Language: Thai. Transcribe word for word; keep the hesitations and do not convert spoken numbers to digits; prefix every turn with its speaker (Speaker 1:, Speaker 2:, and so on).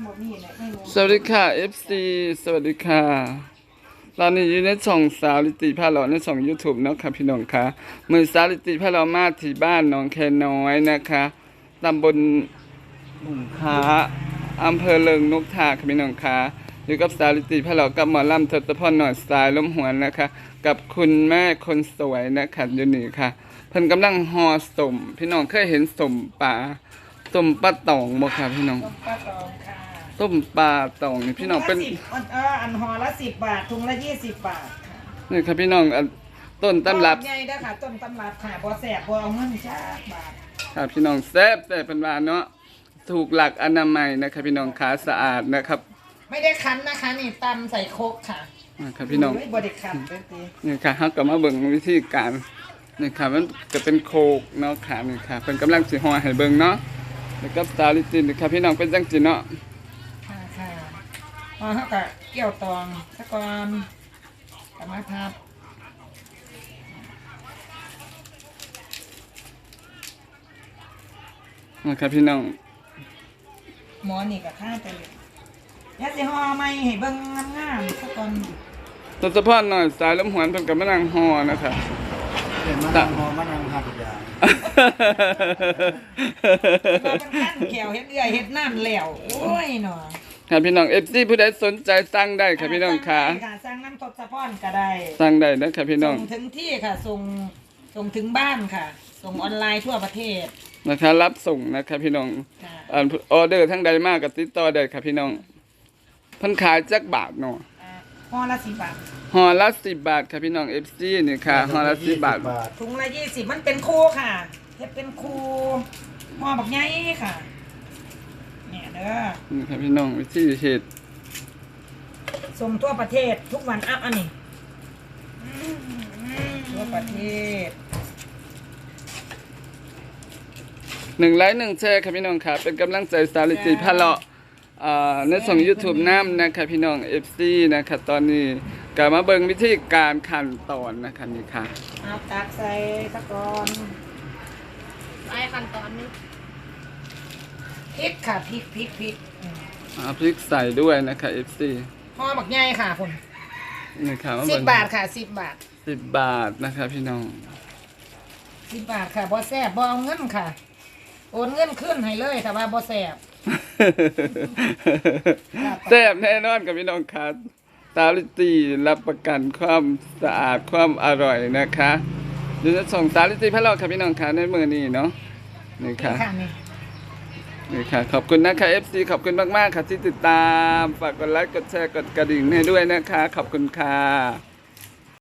Speaker 1: สวัสดีค่ะ เอฟ ซี สวัสดีค่ะตอนนี้อยู่ในช่องสาวลิติพาเลาะในช่อง YouTube เนาะค่ะพี่น้องค่ะมือสาวลิติพาเลาะมาที่บ้านหนองแคน้อยนะคะตำบลบุงค้าอำเภอเลิงนกทาค่ะพี่น้องค่ะอยู่กับสาวลิติพาเลาะกับหมอลำทศพรหน่อยสายล้มหวนนะคะกับคุณแม่คนสวยนะคะอยู่นี่ค่ะเพิ่นกำลังห่อสมพี่น้องเคยเห็นสมปลาสมปลาตองบ่ค่ะพี่น้อง
Speaker 2: ต้มปลาตองค่ะ
Speaker 1: ต้มปลาตองนี่พี่น้องเป็น
Speaker 2: ถุละสิบอันเอออันห่อละสิบบาทถุงละยี่สิบบาทค่ะ
Speaker 1: นี่ครับพี่น้องอันต้นตำรับ
Speaker 2: ใหญ่เด้อค่ะต้นตำรับค่ะบ่แสบบ่เอาเงินจ้าบาท
Speaker 1: ครับพี่น้องแซ่บแต่เป็นว่าเนาะถูกหลักอนามัยนะครับพี่น้องขาสะอาดนะครับ
Speaker 2: ไม่ได้คั้นนะคะนี่ตำใส่โคกค่ะ
Speaker 1: นะครับพี่น้อง
Speaker 2: ไม่บ่ได้คั้นเด้อติ
Speaker 1: นี่ค่ะเฮาก็มาเบิ่งวิธีการนี่ค่ะมันก็เป็นโคกเนาะค่ะนี่ค่ะเพิ่นกำลังสิห่อให้เบิ่งเนาะแล้วก็สตาลิตินนี่ค่ะพี่น้องเป็นจังซี่เนาะ
Speaker 2: ค่ะค่ะพอเฮาก็เกี่ยวตองซะก่อนกมาพับ
Speaker 1: นะครับพี่น้อง
Speaker 2: หมอนี่ก็ค่าไปเลยยาสิห่อใหม่ให้เบิ่งงามๆซะก่อน
Speaker 1: ทศพรหน่อยสายลมหวนเพิ่นก็มานั่งห่อนะครับ
Speaker 3: เห็นมะนาวหอมมะนาวหักยา
Speaker 2: เราเป็นขั้นแขวเฮ็ดเอื้อยเฮ็ดน้ำแล้วโอ้ยเนาะ
Speaker 1: ครับพี่น้อง เอฟ ซี ผู้ใดสนใจสั่งได้ครับพี่น้องค่ะ
Speaker 2: สั่ได้ค่ะสั่งน้ำทศพรก็ได้
Speaker 1: สั่งได้นะครับพี่น้อง
Speaker 2: ส่งถึงที่ค่ะส่งส่งถึงบ้านค่ะ ส่งออนไลน์ทั่วประเทศ
Speaker 1: นะคะรับส่งนะครับพี่น้อง
Speaker 2: ค่ะ
Speaker 1: อ่าออเดอร์ทั้งใดมากกับติดต่อได้ครับพี่น้องเพิ่นขายจักบาทเนาะ
Speaker 2: อ่าห่อละสิบบาท
Speaker 1: ห่อละสิบบาทครับพี่น้อง เอฟ ซี นี่ค่ะห่อละสิบบาท
Speaker 2: ถุงละยี่สิบมันเป็นคูค่ะเฮ็ดเป็นคูห่อบักใหญ่ค่ะเนี่ยเด้อ
Speaker 1: นี่ครับพี่น้องวิธีเฮ็ด
Speaker 2: ส่งทั่วประเทศทุกวันอ่ะอันนี้ทั่วประเทศ
Speaker 1: หนึ่งไลค์หนึ่งแชร์ครับพี่น้องค่ะเป็นกำลังใจสาริติพะเลาะอ่าในช่อง YouTube น้ำนะครับพี่น้อง เอฟ ซี นะคะตอนนี้ก็มาเบิ่งวิธีการขั้นตอนนะคะนี่ค่ะ
Speaker 2: เอาตักใส่ตะกอน
Speaker 4: ไปขั้นตอนนี้
Speaker 2: พริกค่ะพริกพริกพริกอืม
Speaker 1: เอาพริกใส่ด้วยนะคะ เอฟ ซี
Speaker 2: ห่อบักใหญ่ค่ะคุณ
Speaker 1: นี่ค่ะมา
Speaker 2: สิ
Speaker 1: เบิ่
Speaker 2: บ
Speaker 1: ง
Speaker 2: บาทค่ะสิบบาท
Speaker 1: สิบบาทนะคะพี่น้อง
Speaker 2: สิบบาทค่ะบ่แซ่บบ่เอาเงินค่ะโอนเงินขึ้นให้เลยแต่ว่าบ่แซ่บ
Speaker 1: แซ่บแน่นอนกับพี่น้องค่ะสาลิตีรับประกันความสะอาดความอร่อยนะคะเดี๋ยวจะส่งสาลิตีพะเลาะค่ะพี่น้องค่ะในมือนี้เนาะนี่ค่ะ
Speaker 2: ค่ะนี่
Speaker 1: นี่ค่ะขอบคุณนะคะ เอฟ ซี ขอบคุณมากๆค่ะที่ติดตามฝากกดไลค์กดแชร์กดกระดิ่งให้ด้วยนะคะขอบคุณค่ะ